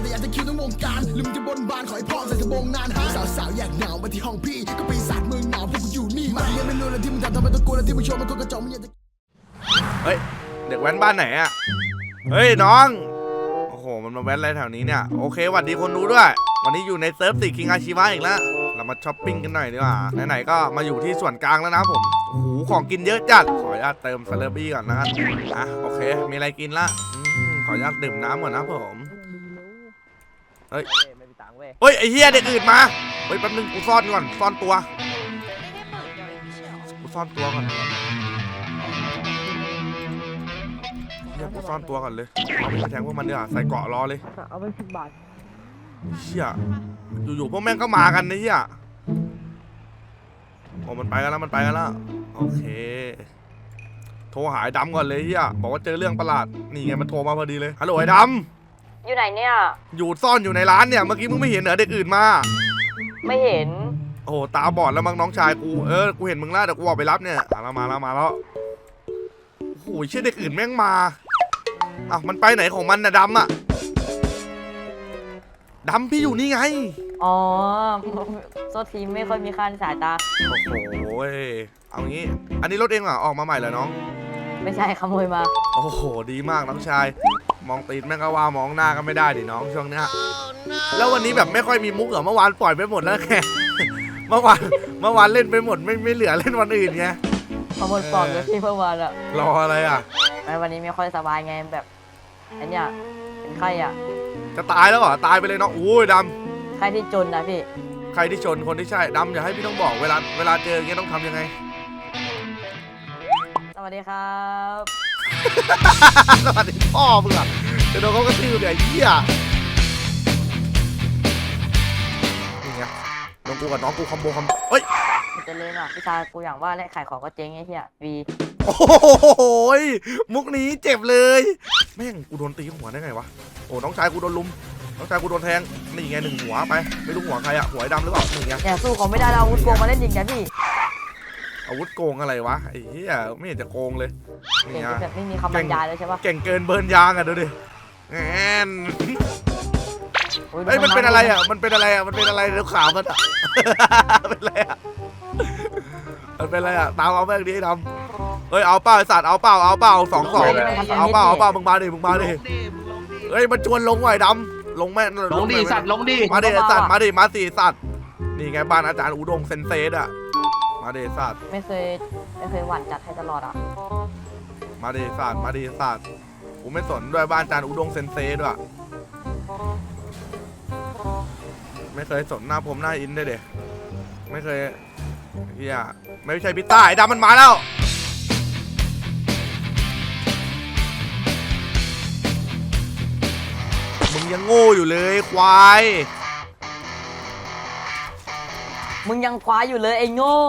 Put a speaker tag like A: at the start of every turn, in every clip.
A: แต่อยากจะคิวทั้งวงการลืมจะบนบานขอให้พ่อใส่สบงนานหาสาวๆอยากหนาวมาที่ห้องพี่ก็ปีศาจเมืองหนาวพวกกูอยู่นี่มาเรียนไม่รู้แล้วที่มึงทำไมต้องกลัวแล้วที่มึงโชว์มันก็กระจอกมึงอยากจะ
B: เฮ้ยเด็กแว้นบ้านไหนอะเฮ้ยน้องโอ้โหมันมาแว้นอะไรแถวนี้เนี่ยโอเคสวัสดีคนดูด้วยวันนี้อยู่ในเซิร์ฟติคิงอาชีวะอีกแล้วเรามาช้อปปิ้งกันหน่อยดีกว่าไหนๆก็มาอยู่ที่ส่วนกลางแล้วนะผมโอ้โหของกินเยอะจัดขออนุญาตเติมซาเลบี้ก่อนนะครับโอเคมีอะไรกินละขออนุญาตดื่มน้ำก่อนนะผมเฮ้ยเฮ้ยไอ้เหี้ยเด็กอื่นมาเฮ้ยแป๊บนึงกูซ่อนก่อนซ่อนตัวกูซ่อนตัวก่อนเนี่ยกูซ่อนตัวก่อนเลยเอาไปแทงพวกมันดีกว่าใส่เกราะรอเลย
C: เอาไป10 บาท
B: เหี้ยอยู่ๆพวกแม่งก็มากันนะเหี้ยโอ้มันไปกันแล้วมันไปกันแล้วโอเคโทรหาไอ้ดำก่อนเลยเหี้ยบอกว่าเจอเรื่องประหลาดนี่ไงมันโทรมาพอดีเลยฮัลโหลไอ้ดำ
C: อยู่ไหนเนี่ย
B: อยู่ซ่อนอยู่ในร้านเนี่ยเมื่อกี้มึงไม่เห็นเหรอเด็กอื่นมา
C: ไม่เห็น
B: โอ้ตาบอดแล้วมั้งน้องชายกูกูเห็นมึงแล้วเดี๋ยวกูออกไปรับเนี่ยมาแล้วโอ้โหเชื่อเด็กอื่นแม่งมามันไปไหนของมันนะดำอะดำพี่อยู่นี่ไง
C: อ๋อโซทีไม่ค่อยมีค่าในสายตา
B: โอ้โหเอางี้อันนี้รถเองเหรอออกมาใหม่เหรอน้อง
C: ไม่ใช่ขโมยมา
B: โอ้โหดีมากน้องชายมองตีนแม่งก็ว่ามองหน้าก็ไม่ได้ดิน้องช่วงนี้แล้ววันนี้แบบไม่ค่อยมีมุกเหรอเมื่อวานปล่อยไปหมดแล้วแค่เมื่อวานเล่นไปหมดไม่เหลือเล่นวันอื่นไง
C: ขโมยปลอมเลยพี่เมื่อวานอะ
B: รออะไรอะ
C: วันนี้ไม่ค่อยสบายไงแบบอันเนี้ยเป็นไข้อะ
B: จะตายแล้วเหรอตายไปเลยน้องโอ้ยด
C: ำใครที่จนนะพี่
B: ใครที่ชนคนที่ใช่ดำอย่าให้พี่ต้องบอกเวลาเจออย่างเงี้ยต้องทำยังไง
C: สวัสดีครับ
B: สวัสดีพ่อมึงอะจะโดนเขากระทืบเนี่ยเหี้ยนี่ไงน้องกูกับน้องกูคอมโบเฮ้ย
C: จะเล่นอ่ะพี่ชายกูอย่างว่าและขายของก็เจ๊งไอ้เหี้ยวี
B: โอ้โหมุกนี้เจ็บเลยแม่งกูโดนตีหัวได้ไงวะโอ้น้องชายกูโดนลุมน้องชายกูโดนแทงนี่ไง1 หัวไปไม่รู้หัวใครอะหัวไอ้ดำหรือเปล่านี่ไง
C: แกสู้เขาไม่ได้เราอาวุธโกงมาเล่นจริงแกพี่
B: อาวุธโกงอะไรวะไอ้เหี้ยไม่เห็นจะโกงเลย
C: นี่ไงแบบไม่มีคำบรรยายเลยใช่ปะ
B: เก่งเกินเบิร์นยางอะดูดิแอนเฮ้ยมันเป็นอะไรอะมันเป็นอะไรอะมันเป็นอะไรเดี๋ยวขาวมันอะเป็นอะไรอะมันเป็นอะไรอะตามเอาแม่งดิดำเฮ้ยเอาเป้าไอสัตว์เอาเป้า2-2เอาเป้ามึงมาดิเฮ้ยมันชวนลงไว้ดำลงแม่
D: ลงดิสัตว์ลงดิ
B: มาดิสัตว์มาดิมาสิสัตว์นี่ไงบ้านอาจารย์อุดมเซนเซสอะมาดิสัตว์
C: ไม่เคยหวั่นจัดให้ตลอดอ่ะ
B: มาดิสัตว์กูไม่สนด้วยบ้านอาจารย์อุดมเซนเซสด้วยไม่เคยสนหน้าผมหน้าอินได้เด็ไม่เคยเฮียไม่ใช่พิต้าไอ้ดำมันมาแล้วมึงยังโง่อยู่เลยควาย
C: มึงยังคว้าอยู่เลยไอ้โง่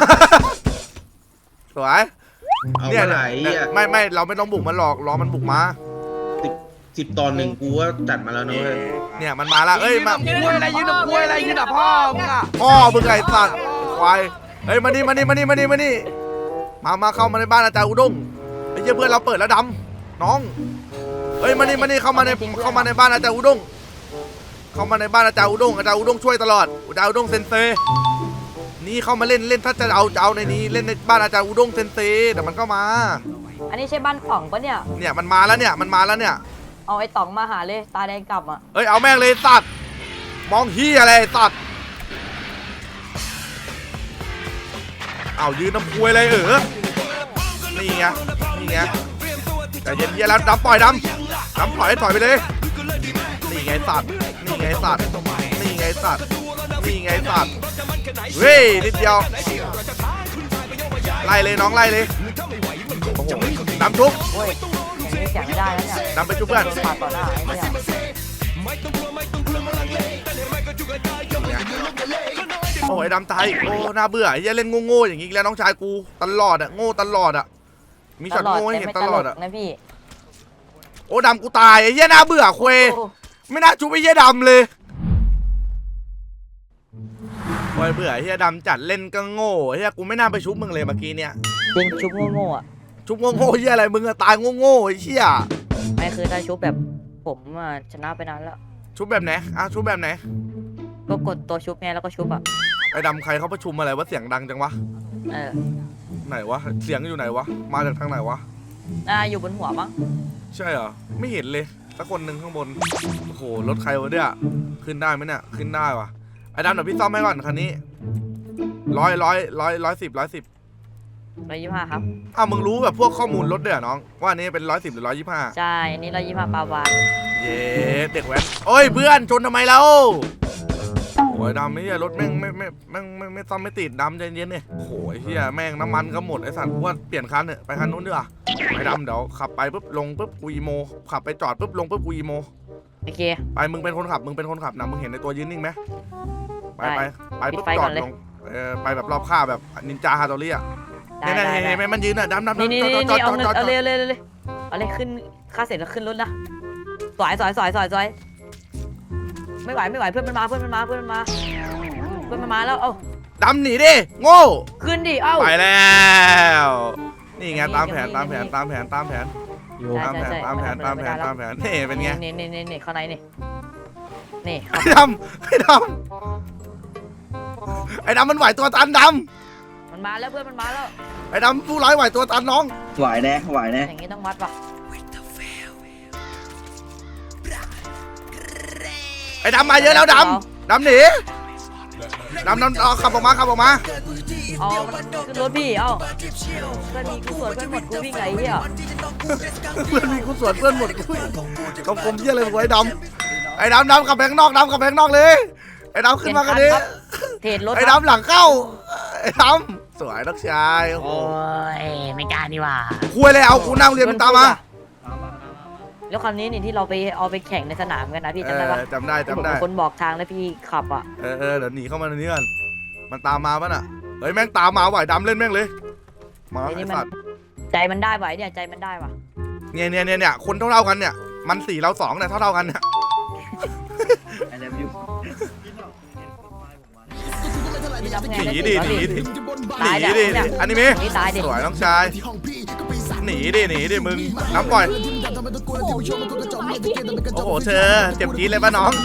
B: สวย
D: เนี่ยไหน
B: ไม่เราไม่ต้องบุกมันหรอกรอมันบุกมา
D: 10 ตอน 1กูว่าจัดมาแล้วนะเว้ย
B: เนี่ยมันมาแล้วเอ้ยมา
D: ยืนอะไรยืนกับกล้วยอะไรยืนกับพ่อมึงอะ
B: พ่อมึงไงสัตว์ควายเฮ้ยมานี่มาเข้ามาในบ้านอาจารย์อุดงไอ้เจ้าเพื่อนเราเปิดแล้วดำน้องเฮ้ยมานี่เข้ามาในบ้านอาจารย์อุดงเข้ามาในบ้านอาจารย์อุดงช่วยตลอดอาจารย์อุดงเซนเซนี่เข้ามาเล่นถ้าจะเอาในนี้เล่นในบ้านอาจารย์อุดงเซนเซแต่มันก็มา
C: อันนี้ใช่บ้านต่องปะเนี่ย
B: มันมาแล้วเนี่ย
C: เอาไอ้ต่องมาหาเลยตาแดงกลับอ่ะ
B: เฮ้ยเอาแม่งเลยสัตว์มองเฮียอะไรสัตว์เอายืนน้ำพุยเลยนี่ไงแต่เย็นแล้วดำปล่อยดำปล่อยให้ถอยไปเลยนี่ไงสัตว์เฮ้ยนิดเดียวไล่เลยน้องไล่เลยโอ้โหดำทุบ
C: นี่แกะไม่ได้แล้วเนี่ย
B: ดำไปจุ๊บเพื่อน
C: ปาดต่อหน้าไอ้เนี่ย
B: โอ้ยดำตายโอ้น่าเบื่อไอ้เล่นโง่อย่างงี้แล้วน้องชายกูตลอดอะโง่ตลอดอะมีช็อตโง่ให้เห็นตลอดอะ
C: นะพี่
B: โอ้ดำกูตายไอ้เหี้ยน่าเบื่อเควไม่น่าชุบไอ้เหี้ยดำเลยโอ้ยเบื่อไอ้เหี้ยดำจัดเล่นก็โง่ไอ้เหี้ยกูไม่น่าไปชุบมึงเลยเมื่อกี้เนี่ย
C: จริงชุบโง่อะ
B: ชุบโง่เหี้ยอะไรมึงอะตายโง่ไอ้เหี้ย
C: ไม่คือถ้าชุบแบบผมชนะไปนานแล้ว
B: ชุบแบบไหนชุบแบบไหน
C: ก็กดตัวชุบไงแล้วก็ชุบอ่ะ
B: ไอ้ดำใครเขาประชุมอะไรว่าเสียงดังจังวะ
C: เออ
B: ไหนวะเสียงอยู่ไหนวะมาจากทางไหนวะ
C: อยู่บนหัวมั้ง
B: ใช่เหรอไม่เห็นเลยสักคนหนึ่งข้างบนโอ้โหรถใครวะเนี่ยขึ้นได้ไหมเนี่ยขึ้นได้วะไอ้ดำเดี๋ยวพี่ซ่อมให้ก่อนคันนี้110
C: 125ครับ
B: มึงรู้แบบพวกข้อมูลรถด้วยเหรอน้องว่าอันนี้เป็น110หรือ125
C: ใช่อันนี้125ปาวาน
B: เย้เด็กแว้นโอ้ยเพื่อนชนทำไมเราโอ้ยดำไม่ใช่รถแม่งไม่ซ่อมไม่ติดดำใจเย็นเนี่ยโอ้โหเฮียแม่งน้ำมันก็หมดไอ้สัตว์กูว่าเปลี่ยนคันเถอะไปคันนู้นดีกว่าไอ้ดำเดี๋ยวขับไปปุ๊บลงปุ๊บกูอีโมขับไปจอดปุ๊บลงปุ๊บกูอีโม
C: โอเค
B: ไปมึงเป็นคนขับนะมึงเห็นในตัวยืนนิ่งไหมไป
C: ได้
B: ปุ๊บ
C: ปิดไฟ
B: จ
C: ก่
B: อ
C: อ
B: ด
C: นเลย
B: ลงไปแบบรอบข้าแบบนินจาฮาโตรี่อ่ะ
C: ได้
B: เนี่ย
C: ได้
B: เห็นไหมมันยืนอ่ะดำ
C: นี่
B: จอด
C: เอาเงิน
B: จอด
C: เอาเลยเอาเลยขึ้นค่าเสร็จแล้วขึ้นรถนะสวยไม่ไหวเพื่อนมันมาแล้วเอ้า
B: ดำหนีดิโง่
C: ขึ้นดิเอ้า
B: ไปแล้วนี่ไงตามแผน
C: นี่
B: ตามแผน
C: นี่
B: ตามแผนตามแผน
C: ใช่
B: ตามแผนนี่เป็นไง
C: นี่ข้างในนี่
B: ไอ้ดำมันไหวตัวตันด
C: มันมาแล้วเพื่อนมันมาแล้ว
B: ำไอ้ดำผู้ร้ายไหวตัวตันน้อง
D: ไหวแน่
C: อย่างนี้ต้องวัดป่ะ
B: ไอ้ดำมาเยอะแล้วดำหนีดำเอาขับออกมา
C: เอาขึ้นรถพี่เอ้าเพื่อนมีกูสวนเพื่อนหมดกูวิ่งไงเหี้ย
B: เพื่อนมีกูสวนเพื่อนหมดกูกลมเยี่ยเลยไอ้ดำขับแบงค์นอกเลยไอ้ดำขึ้นมากันดิ
C: เทรดรถ
B: ไอ้ดำหลังเข้าไอ้ดำสวยนักชายโอ้โห
C: ยไม่กล้านี่ว่า
B: คุยเลยเอากูนั่งเรียนมึงตามมา
C: แล้วคันนี้นี่ที่เราไปเอาไปแข่งในสนามกันนะพี่จำได้ปะ
B: จำได้
C: คนบอกทางแล้วพี่ขับอ่ะ
B: เดี๋ยวหนีเข้ามาในนี้ก่อนมันตามมาป่ะน่ะเฮ้ยแม่งตามมาไหวดำเล่นแม่งเลยมา
C: ไอ้
B: ไอ้
C: นี่มัน
B: สัตว์
C: ใจมันได้ไหวเนี่ยใจมันได้ว่ะ
B: เนี่ยคนเท่ากันเนี่ยมัน4เรา2เนี่ยเท่ากันเนี่ย
C: พี่ทำไง
B: หนี
C: ได้
B: ดิ
C: สิ
B: หนีดิ
C: ตาย
B: หนีดิ
C: เนี่ย
B: อันนี้มี
C: นี่ตายดิ
B: สวยน้องชายหนีดิมึงน้ำปล่อยโอ้โหเธอเจ็บจี๊ดเลยป่ะน้อง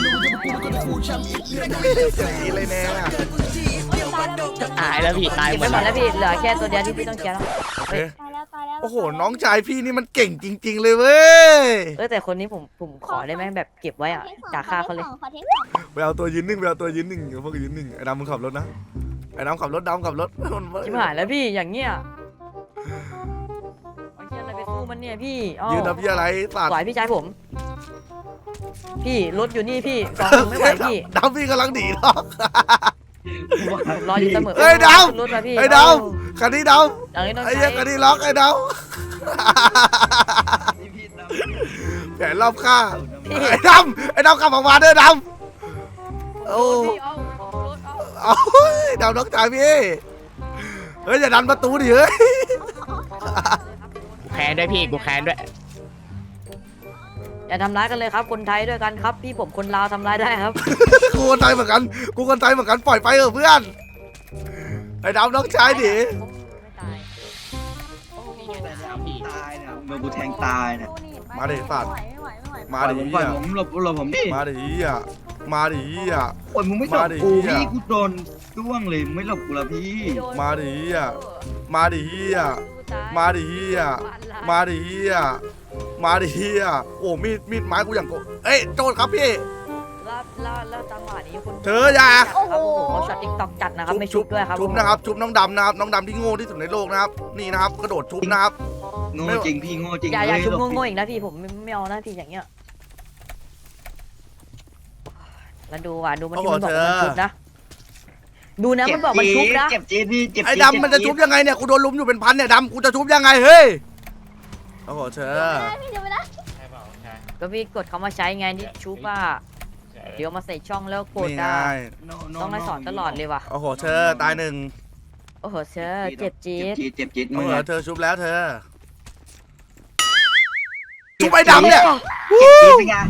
B: เจ็บจี๊ดเลยแน่
E: ตายแล้วพี่ตาย
C: เก็บ
E: หม
C: ไว้
E: ด
C: หมดแล้วพี่เหลือแค่ตัวเดียวที่พี่ต้องเคลียร์แล้ว
B: โอเค
F: ตายแล้วตายแล้ว
B: โอ้โหน้องชายพี่นี่มันเก่งจริง ๆ เลยเว้ย
C: แต่คนนี้ผมขอได้ไหมแบบเก็บไว้อ่ะจากค่าเขาเลย
F: ขอเทคสอง
B: ไปเอาตัวยืนนิ่งพวกยืนนิ่งไอ้ดำมึงขับรถนะไอ้ดำขับรถ
C: ชิบหายแล้วพี่อย่างเงี้ยเอาเชี่ยอะไรไปสู้มันเนี่ยพี่อ้อ
B: ยืนทำยี่อะไรสัต
C: ไหว
B: ว์
C: พี่ชายผม พี่รถอยู่นี่พี่สองไม่ไหวพี่
B: ดำพี่กำลังหนีหรอก
C: ผมรออยู่เสมอ
B: เฮ้ยดาว
C: รถมาพี่
B: ไอ้ดำคันนี้ด
C: อย่างนี้ต้อ
B: ำไอ้
C: งใช้
B: เหี้ยคันนี้ล็อกไอ้ดำแผนรอบข้างไอ้ดำขับออกมาเด้อดำโอ้
C: พี่เอารถเอา
B: เอาดำน้องชายพี่เฮ้ยอย่าดันประตูดิเฮ้ย
E: แค้นด้วยพี่กูแค้นด้วย
C: อย่าทำร้ายกันเลยครับคนไทยด้วยกันครับ พี่ผมคนลาวทำร้ายได้ครับ
B: กูคนไทยเหมือนกันปล่อยไปเถอะเพื่อนไอ้ดำน้องชายดิ
C: ไม่ตาย
D: ตายเนี่ยเมื่อกูแทงตายเนี่ย
B: มาดิสัตว์
F: ไม่ไหว
B: มาดิ
D: ปล่อยผมหลบผมดิ
B: มาดิมาดิ
D: โอ้ยมึงไม่หลบ
B: มาดิ
D: กู
B: เหี้ย
D: พี่กูโดนจ้วงเลยมึงไม่หลบกูละพี่
B: มาดิมาดิมาดิมาดิโอ้มีดไม้กูอย่างโกเอ้ยโจทย์ครับพี่
C: แล้วจังหวะนี้คุณ
B: เธออย่า
C: ครับผมเขาช็อตติ๊กต็อกจัดนะครับไม่ชุบด้วยครับ
B: ชุบนะครับชุบน้องดำนะครับน้องดำที่โง่ที่สุดในโลกนะครับนี่นะครับกระโดดชุบนะครับ
D: โง่จริงพี่โง่จริง
C: อย่าชุบ
D: เฮ้ยหล
C: โง่ๆอีกนะพี่ผมไม่เอานะพี่อย่างเงี้ยแล้วดูว่ะดูมันที่มันบอกมันชุบนะดูนะมันบอกมันชุบนะ
D: เจ็บจี๊ดพี่เจ็บ
B: ไอ้
D: จี๊
B: ดำมันจะชุบยังไงเนี่ยกูโดนลุมอยู่เป็นพันเนี่ยดำกูจะชุบยังไงเฮ้ยโอ้โหเธอ
F: พี่เดี๋ยวไปนะ
C: ก็พี่กดเขามาใช้ไงที่ชุบว่าเดี๋ยวมาใส่ช่องแล้วกด
B: นี่ไง
C: ได้
D: No, no,
C: ต้องให้สอนตลอดเลยว่ะ
B: โอ้โหเธอตายหนึ่ง
C: โอ้โหเชอเจ็บจี๊ด
D: เจ็บจี๊ด
B: โอ้
D: มึง
B: โห
D: อะ
B: เธอชุบแล้วเธอชุบไอ้ดำเนี่ย
D: เจ็บจี๊ดเป็นไง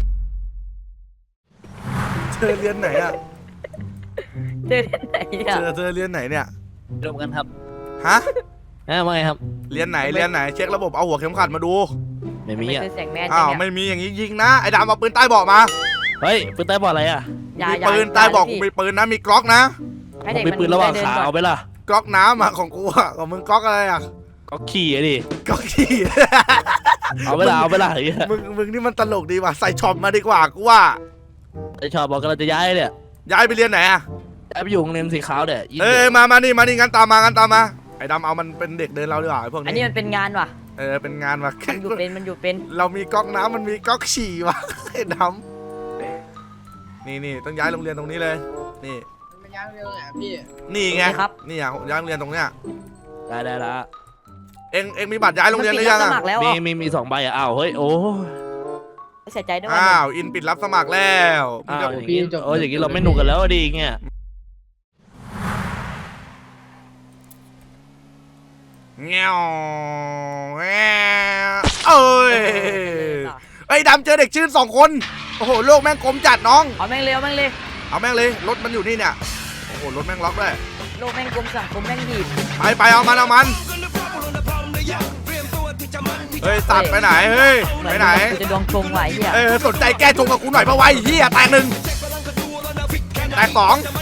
B: เธอเรียนไหนอ่ะ
C: เดินไหนเนี่ย
B: เธอเรียนไหนเนี่ย
E: รวมกันครับ
B: ฮะ
E: ว่าไงครับ
B: เรียนไหนเช็คระบบเอาหัวเข็มขัดมาดู
E: ไม่มี
C: ไม่
E: อ่ะ
C: คือแสงแมน
B: อ้าว
C: เนี่ย
B: ไม่มีอย่างนี้ยิงนะไอ้ดำเอาปืนใต้เบาะมา
E: เฮ้ยปืนใต้บอกอะไรอ่ะ
C: อย่า
B: มี
C: อย่า
B: ปืนตายบอกกูมีปืนนะมีกล็อกนะ
C: ให้
E: ผ
C: เด็
E: ม
C: ก
E: มี
C: มัน
E: ปืนระหว่าง
C: ได้เดิ
E: ขา
C: ก่อน
E: เอาไปล่ะ
B: กล็อกน้ำอะของกูอะของมึงกล็อกอะไรอะ
E: ก็ขี่อะดิ
B: กล็อกขี้
E: เอาไปล่ะเอาไปล่ะไอ้เหี้ย
B: มึงนี่มันตลกดีว่ะใส่ช็อปมาดีกว่ากูว่า
E: ไอ้ชอบบอกกำลังจะย้ายเนี่ย
B: ย้ายไปเรียนไหนอะ
E: ย้ายไปอยู่โรงเรียนสีขาวเนี่ยยิ่ง
B: เอ้ยมานี่งั้นตามมาไอ้ดำเอามันเป็นเด็กเดินเราดีกว่าไอ้พวก
C: อันนี้
B: นี้
C: มันเป็นงานว่ะ
B: เป็นงานว่ะ
C: มันอยู่เป็น
B: เรามีก๊อกน้ำมันมีก๊อกฉี่ว่ะ ไอ้ดำนี่ต้องย้ายโรงเรียนตรงนี้เลยนี่
F: มันย้ายเร็วแหละพี่
B: นี่ไงนี่อะย้ายโรงเรียนตรงเนี้ย
E: ได้ละ
B: เอ็งมีบัตรย้ายโรงเรียนหรือยัง
C: ส
B: อะ
C: มัครแล้ว
E: มี2 ใบอ่ะอ้าวเฮ้ยโอ้
C: เสียใจด้วย
B: อ้าวอินปิดรับสมัครแล้ว
E: อ้าวอย่างงี้อย่างงี้เราไม่หนุกกันแล้วดีเงี้ย
B: เงี้ยวเอ้ยไอ้ดำเจอเด็กชื่น2 คนโอ้โหโลกแม่งกลมจัดน้อง
C: เอาแม่งเร็วแม่งเลย
B: เอาแม่งเลยรถมันอยู่นี่เนี่ยโอ้โหรถแม่งล็อกด้วย
C: โลกแม่งกลมสังคมแม่งดีด
B: ไปเอามันเฮ้ยตัดไปไหนเฮ้ยไปไหน
C: กูจะดวงชงไหวเฮีย
B: สนใจแก้ชงกับกูหน่อยปะวะไอ้เหี้ยแตก 1แตก 2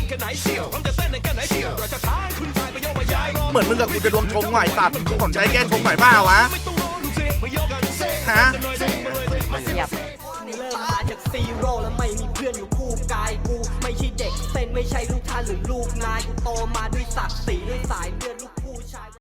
B: เหมือนมึงกับกูจะดวงชงหน่อยตัดสนใจแก้ชงหน่อยเปล่าวะฮะ
C: เสียบ
G: เริ่มมาจากซีโร่แล้วไม่มีเพื่อนอยู่คู่กายกูไม่ใช่เด็กเส้นไม่ใช่ลูกท่านหรือลูกนายกูโตมาด้วยศักดิ์ศรีด้วยสายเลือดลูก